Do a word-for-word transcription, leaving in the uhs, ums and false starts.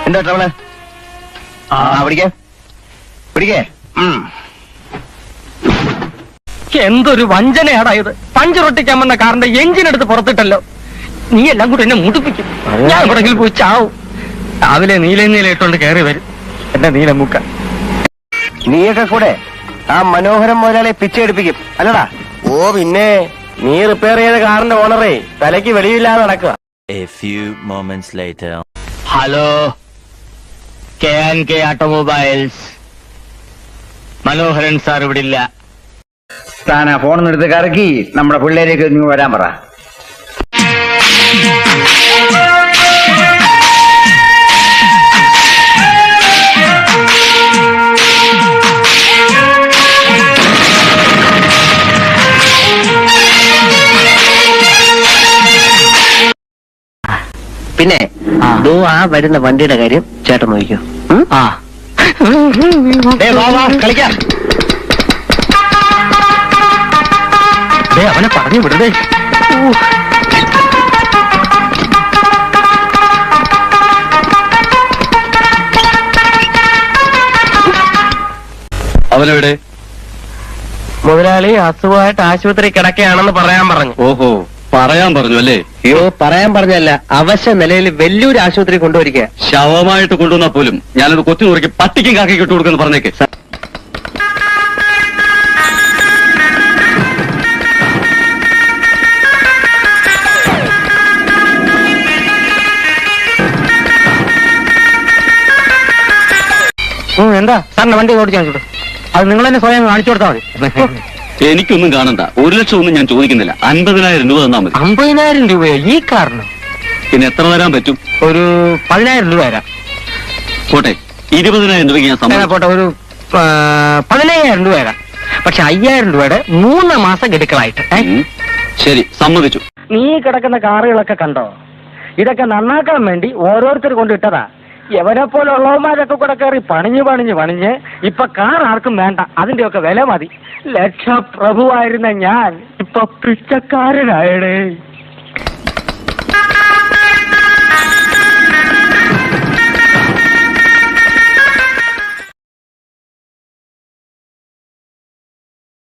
എന്താ ട്രവള്? ആ പിടിക്കേ പിടിക്കേ. എന്തൊരു വഞ്ചനയാടാ ഇത്. പഞ്ചറൊട്ടിക്കാൻ വന്ന കാറിന്റെ എഞ്ചിൻ എടുത്ത് പുറത്തിട്ടല്ലോ. നീ എല്ലാം കൂടി എന്നെ മുടിപ്പിക്കും. ഞാൻ എവിടെങ്കിലും പോയി ചാവും. രാവിലെ നീല നീല ഇട്ടോണ്ട് കയറി വരും എന്റെ നീലമുക്ക. നീയൊക്കെ കൂടെ ആ മനോഹരം മുതലാളെ പിച്ചെടുപ്പിക്കും അല്ലടാ? ഓ പിന്നെ നീ റിപ്പയർ ചെയ്ത കാറിന്റെ ഓണറേ തലയ്ക്ക് വെളിയില്ലാതെ നടക്കുക. Hello, K and K automobiles. Manoharan sir ഇവിടെ ഇല്ല. താനാ ഫോണിന്ന് എടുത്ത് കറക്കി നമ്മുടെ പിള്ളേരേക്ക് നീ വരാൻ പറ. പിന്നെ ആ വരുന്ന വണ്ടിയുടെ കാര്യം ചേട്ടൻ നോക്കിക്കോ. ആ കളിക്കാം. അവനെ പറഞ്ഞു വിടേ. അവനെവിടെ? മുതലാളി അസുഖമായിട്ട് ആശുപത്രി കിടക്കുകയാണെന്ന് പറയാൻ പറഞ്ഞു. ഓഹോ, പറയാൻ പറഞ്ഞു അല്ലേ? അയ്യോ, പറയാൻ പറഞ്ഞല്ല, അവശ്യ നിലയിൽ വലിയൊരു ആശുപത്രി കൊണ്ടുവരിക. ശവമായിട്ട് കൊണ്ടുവന്നാൽ പോലും ഞാനത് കൊത്തി നുറുക്കി പട്ടിക്കും കാക്കിക്ക് ഇട്ട് കൊടുക്കുന്നു പറഞ്ഞേക്ക്. എന്താ സാറിന്റെ വണ്ടി ഓടിച്ചാൽ അത് നിങ്ങൾ തന്നെ സ്വയം കാണിച്ചു കൊടുത്താൽ മതി. എനിക്കൊന്നും കാണണ്ട. ഒരു ലക്ഷം ഒന്നും ഞാൻ ചോദിക്കുന്നില്ല. അൻപതിനായിരം രൂപ തന്നാ മതി. അമ്പതിനായിരം രൂപയോ ഈ കാറിന്? പിന്നെ എത്ര തരാൻ പറ്റും? ഒരു പതിനായിരം രൂപ തരാം. പോട്ടെ, ഇരുപതിനായിരം രൂപയ്ക്ക് ഞാൻ സമ്മതം. പോട്ടെ, ഒരു പതിനയ്യായിരം രൂപ തരാം. പക്ഷെ അയ്യായിരം രൂപയുടെ മൂന്ന് മാസം ഗഡുക്കളായിട്ട്. ശരി, സമ്മതിച്ചു. നീ കിടക്കുന്ന കാറുകളൊക്കെ കണ്ടോ? ഇതൊക്കെ നന്നാക്കാൻ വേണ്ടി ഓരോരുത്തർ കൊണ്ടിട്ടതാ. എവരെ പോലെ ഉള്ളവന്മാരൊക്കെ കൂടെ കയറി പണിഞ്ഞ് പണിഞ്ഞ് പണിഞ്ഞ് ഇപ്പൊ കാർ ആർക്കും വേണ്ട. അതിന്റെയൊക്കെ വില മതി. ലക്ഷപ്രഭുവായിരുന്ന ഞാൻ ഇപ്പൊ പിച്ചക്കാരനായടേ.